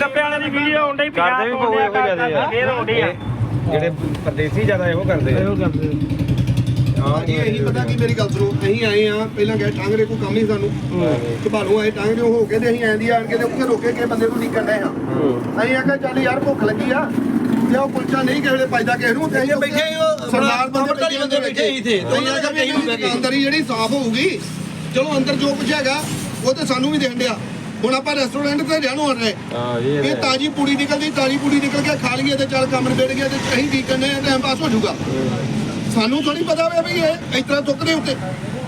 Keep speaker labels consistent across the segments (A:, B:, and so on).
A: ਗੱਪੇ ਵਾਲੇ ਦੀ ਵੀਡੀਓ ਆਉਂਦੀ
B: ਕਰਦੇ ਵੀ ਪਊ ਇਹੋ ਜਿਆਦਾ
A: ਫੇਰ ਆਉਂਦੀ ਆ
B: ਜਿਹੜੇ ਪਰਦੇਸੀ ਜ਼ਿਆਦਾ ਇਹੋ ਕਰਦੇ
C: ਹਾਂਜੀ ਇਹੀ ਪਤਾ ਕੀ ਮੇਰੀ ਗੱਲ ਸੁਣੋ ਅਸੀਂ ਆਏ ਆ ਪਹਿਲਾਂ ਗਏ ਟਾਂਗਰੇ ਕੋਈ ਕੰਮ ਹੀ ਸਾਨੂੰ ਘਬਾਲੂ ਆਏ ਟਾਂਗਰੇ ਹੋ ਕੇ ਤੇ ਅਸੀਂ ਆਂਦੀ ਆਣ ਕੇ ਤੇ ਉੱਥੇ ਰੋਕੇ ਕੇ ਬੰਦੇ ਨੂੰ ਨਿਕਲ ਰਹੇ ਹਾਂ ਅਸੀਂ ਆਖਿਆ ਚੱਲ ਯਾਰ ਭੁੱਖ ਲੱਗੀ ਆ ਤੇ ਉਹ ਕੁਲਚਾ ਨਹੀਂ ਕਿਸੇ ਵੇਲੇ ਪਾਈਦਾ ਕਿਸੇ ਨੂੰ ਤੇ ਅਸੀਂ ਬੈਠੇ ਸਰਦਾਰ ਬੰਦੇ ਬੈਠੇ ਹੀ ਥੇ ਤੇ ਅਸੀਂ ਆਖਿਆ ਅੰਦਰ ਹੀ ਜਿਹੜੀ ਸਾਫ਼ ਹੋਊਗੀ ਚਲੋ ਅੰਦਰ ਜੋ ਕੁਝ ਹੈਗਾ ਉਹ ਤੇ ਸਾਨੂੰ ਵੀ ਦੇਣ ਡਿਆ ਹੁਣ ਆਪਾਂ ਰੈਸਟੋਰੈਂਟ ਤੇ ਰਹਿਣੋਂ ਆ ਰਹੇ ਇਹ ਤਾਜੀ ਪੂੜੀ ਨਿਕਲਦੀ ਤਾਜੀ ਪੂੜੀ ਨਿਕਲ ਕੇ ਖਾ ਲਈਏ ਤੇ ਚੱਲ ਕੰਮ ਨਿਬੜ ਗਿਆ ਤੇ ਅਸੀਂ ਕੀ ਕਰਨੇ ਆ ਟਾਈਮ ਪਾਸ ਹੋ ਜਾਊਗਾ ਸਾਨੂੰ ਥੋੜੀ ਪਤਾ ਹੋਵੇ ਵੀ ਇਹ ਇਸ ਤਰ੍ਹਾਂ ਚੁੱਕਦੇ ਉੱਤੇ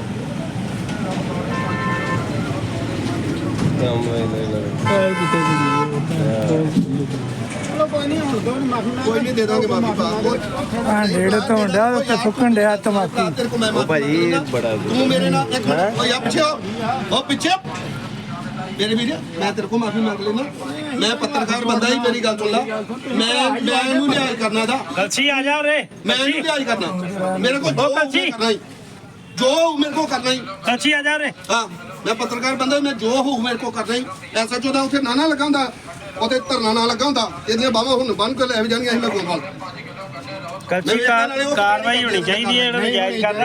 C: ਕੋਈ ਨਹੀਂ ਦੇ ਦਾਂਗੇ ਮਾਫੀ ਪਾ
D: ਡੇਢ ਤੋਂ ਡਿਆ ਉੱਤੇ ਸੁੱਕਣ ਡਿਆ ਟਮਾਟੀ
B: ਉਹ ਭਾਜੀ ਬੜਾ
C: ਤੂੰ ਮੇਰੇ ਨਾਲ ਇੱਕ ਮਿੰਟ ਓਏ ਆ ਪਿੱਛੇ ਉਹ ਪਿੱਛੇ ਮੇਰੇ ਵੀਰ ਮੈਂ ਤੇਰੇ ਕੋਲ ਮਾਫੀ ਮੰਗ ਲੈਣਾ ਮੈਂ ਪੱਤਰਕਾਰ ਬੰਦਾ ਹੀ ਮੇਰੀ ਗੱਲ ਸੁਣ ਲਾ ਮੈਂ ਇਹਨੂੰ ਨਿਆਂ ਕਰਨਾ ਦਾ
A: ਕਲਸੀ ਆ ਜਾ ਉਰੇ
C: ਮੈਂ ਇਹਨੂੰ ਨਿਆਂ ਕਰਨਾ ਮੇਰੇ ਕੋਲ ਜੋ ਕਰਨਾ ਹੀ ਜੋ ਮੇਰੇ ਕੋਲ ਕਰਨਾ ਹੀ
A: ਕਲਸੀ ਆ ਜਾ ਉਰੇ
C: ਹਾਂ ਮੈਂ ਪੱਤਰਕਾਰ ਬੰਦਾ ਮੈਂ ਜੋ ਹੋਊ ਮੇਰੇ ਕੋਲ ਕਰਨਾ ਹੀ ਐਸਾ ਚੋਦਾ ਉੱਥੇ ਨਾ ਲਗਾ ਹੁੰਦਾ ਉਹਦੇ ਧਰਨਾ ਨਾ ਲੱਗਾ ਹੁੰਦਾ ਇਹਦੀਆਂ ਬਾਹਾਂ ਹੁਣ ਬੰਨ ਕੇ ਲੈ ਵੀ ਜਾਣਗੀਆਂ ਅਸੀਂ ਮੈਂ ਕੋਲ
A: ਕਲਸੀ ਕਾਰਵਾਈ ਹੋਣੀ ਚਾਹੀਦੀ ਹੈ ਇਹਨਾਂ ਨੂੰ ਜਾਇਜ਼ ਕਰਨਾ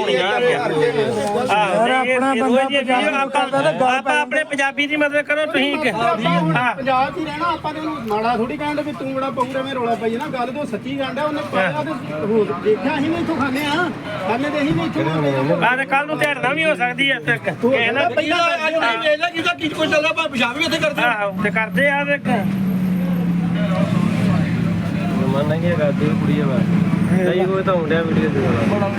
A: ਆਪਾਂ ਆਪਣੇ ਪੰਜਾਬੀ ਦੀ ਮਦਦ ਕਰੋ ਤੁਸੀਂ
E: ਪੰਜਾਬ 'ਚ ਹੀ ਰਹਿਣਾ ਆਪਾਂ ਤੇ ਉਹਨੂੰ ਮਾੜਾ ਥੋੜੀ ਕਹਿੰਦੇ ਵੀ ਤੂੰ ਬੜਾ ਪਊ ਰਵੇਂ ਰੌਲਾ ਪਈ ਨਾ ਗੱਲ ਤੋਂ ਸੱਚੀ ਗੰਢ ਉਹਨੇ ਪਾਇਆ ਤੇ ਦੇਖਿਆ ਅਸੀਂ ਵੀ ਇੱਥੋਂ ਖਾਂਦੇ ਆ ਖਾਂਦੇ ਤੇ ਅਸੀਂ ਵੀ ਇੱਥੋਂ
A: ਬਾਅਦ ਕੱਲ ਨੂੰ ਧੜਨਾ ਵੀ ਹੋ ਸਕਦੀ ਹੈ ਤੱਕ
E: ਪਹਿਲਾਂ ਅੱਜ ਵੇਖ ਲੈ ਕਿਹਦਾ ਕੀ ਕੁਝ ਚੱਲਦਾ ਪਰ ਪੰਜਾਬ ਵੀ ਇੱਥੇ ਕਰਦੇ
A: ਆਹੋ ਤੇ ਕਰਦੇ ਆ ਦੇਖ
B: ਮਨ ਨਹੀਂ ਹੈਗਾ ਦਿਲ ਕੁੜੀ ਆ ਨਹੀਂ ਉਹ ਤਾਂ ਹੁੰਦਿਆ ਵੀਡੀਓ ਦੇ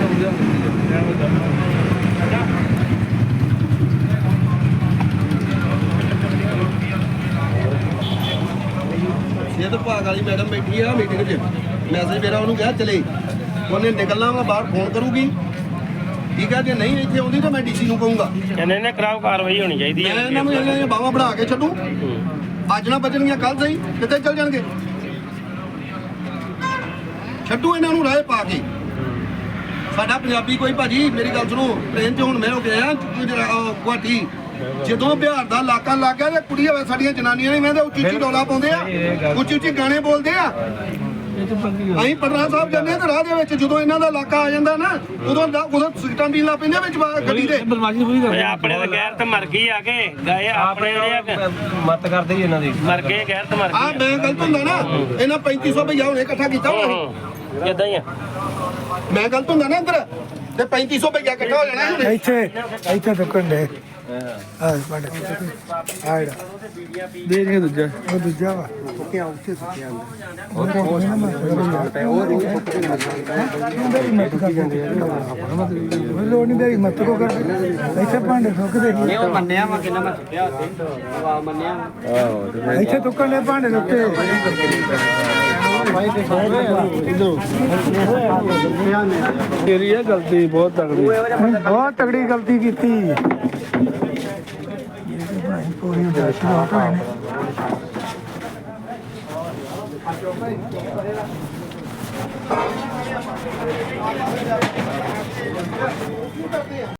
C: ਇਹ ਤਾਂ ਭਾਗ ਵਾਲੀ ਮੈਡਮ ਬੈਠੀ ਆ ਮੀਟਿੰਗ 'ਚ ਮੈਸੇਜ ਮੇਰਾ ਉਹਨੂੰ ਕਿਹਾ ਚਲੇ ਉਹਨੇ ਨਿਕਲਣਾ ਵਾ ਬਾਹਰ ਫੋਨ ਕਰੂਗੀ ਠੀਕ ਆ ਜੇ ਨਹੀਂ ਇੱਥੇ ਆਉਂਦੀ ਤਾਂ ਮੈਂ ਡੀਸੀ ਨੂੰ ਕਹੂੰਗਾ
A: ਇਹਨੇ ਨੇ ਕਰਾਓ ਕਾਰਵਾਈ ਹੋਣੀ ਚਾਹੀਦੀ
C: ਮੈਂ ਇਹਨਾਂ ਨੂੰ ਇਹਨਾਂ ਬਾਹਾਂ ਬਣਾ ਕੇ ਛੱਡੂ ਅੱਜ ਨਾ ਬਚਣਗੀਆਂ ਕੱਲ ਸਹੀ ਕਿੱਥੇ ਚੱਲ ਜਾਣਗੇ ਛੱਡੂ ਇਹਨਾਂ ਨੂੰ ਰਾਹ ਪਾ ਕੇ ਸਾਡਾ ਪੰਜਾਬੀ ਕੋਈ ਭਾਜੀ ਮੇਰੀ ਗੱਲ ਸੁਣੋ ਟ੍ਰੇਨ 'ਚ ਹੁਣ ਮੈਂ ਹੋ ਗਿਆ ਗੁਆਟੀ ਜਦੋਂ ਬਿਹਾਰ ਦਾ ਇਲਾਕਾ ਲੱਗ ਗਿਆ ਤੇ ਕੁੜੀਆਂ ਸਾਡੀਆਂ ਜਨਾਨੀਆਂ ਨੇ ਮੈਂ ਉੱਚੀ ਉੱਚੀ ਡੋਲਾ ਪਾਉਂਦੇ ਆ ਉੱਚੀ ਉੱਚੀ ਗਾਣੇ ਬੋਲਦੇ ਆ ਅਸੀਂ ਪਟਨਾ ਸਾਹਿਬ ਜਾਂਦੇ ਆ ਤੇ ਰਾਹ ਦੇ ਵਿੱਚ ਜਦੋਂ ਇਹਨਾਂ ਦਾ ਇਲਾਕਾ ਆ ਜਾਂਦਾ ਨਾ ਉਦੋਂ ਸਿਗਟਾਂ ਪੀਣ ਲੱਗ ਪੈਂਦੇ ਵਿੱਚ ਗੱਡੀ ਦੇ
A: ਆਪਣੇ ਤਾਂ ਗੈਰਤ ਮਰ ਗਈ ਆ ਕੇ ਗਏ ਆਪਣੇ
B: ਮਤ ਕਰਦੇ ਹੀ ਇਹਨਾਂ ਦੀ
A: ਮਰ ਗਏ ਗੈਰਤ ਮਰ
C: ਆ
A: ਗਈ
C: ਮੈਂ ਗਲਤ ਹੁੰਦਾ ਨਾ ਇਹਨਾਂ 3500 ਭਈਆ ਹੁਣੇ ਇਕੱਠਾ ਕੀਤਾ ਹੋਣਾ
A: ਇਦਾਂ ਹੀ ਆ
C: ਮੈਂ ਗਲਤ ਹੁੰਦਾ ਨਾ ਇੱਧਰ ਤੇ 3500 ਭਈਆ ਇਕੱਠਾ ਹੋ ਜਾਣਾ
D: ਇੱਥੇ ਸੁੱਕਣ ਡੇ ਆ ਬੜੇ ਆਇੜਾ ਦੇ ਦੇ ਦੂਜਾ ਉਹ ਦੂਜਾ ਵਾ ਸੁੱਕਿਆ ਉੱਥੇ ਸੁੱਕਿਆ ਲੋੜ ਨਹੀਂ ਦੇਈ ਮਤ ਕੋ ਕਰ ਇੱਥੇ ਭਾਂਡੇ ਸੁੱਕਦੇ ਨਹੀਂ
E: ਉਹ ਮੰਨਿਆ ਵਾ ਕਿੰਨਾ ਮੈਂ ਸੁੱਟਿਆ ਉੱਥੇ ਵਾ ਮੰਨਿਆ
B: ਆਹੋ
D: ਇੱਥੇ ਸੁੱਕਣ ਦੇ ਭਾਂਡੇ ਉੱਤੇ
B: ਤੇਰੀ ਇਹ ਗਲਤੀ ਬਹੁਤ ਤਗੜੀ
D: ਬਹੁਤ ਤਗੜੀ ਗਲਤੀ ਕੀਤੀ ਪੂਰੀ ਦਰਸ਼ਨ ਆ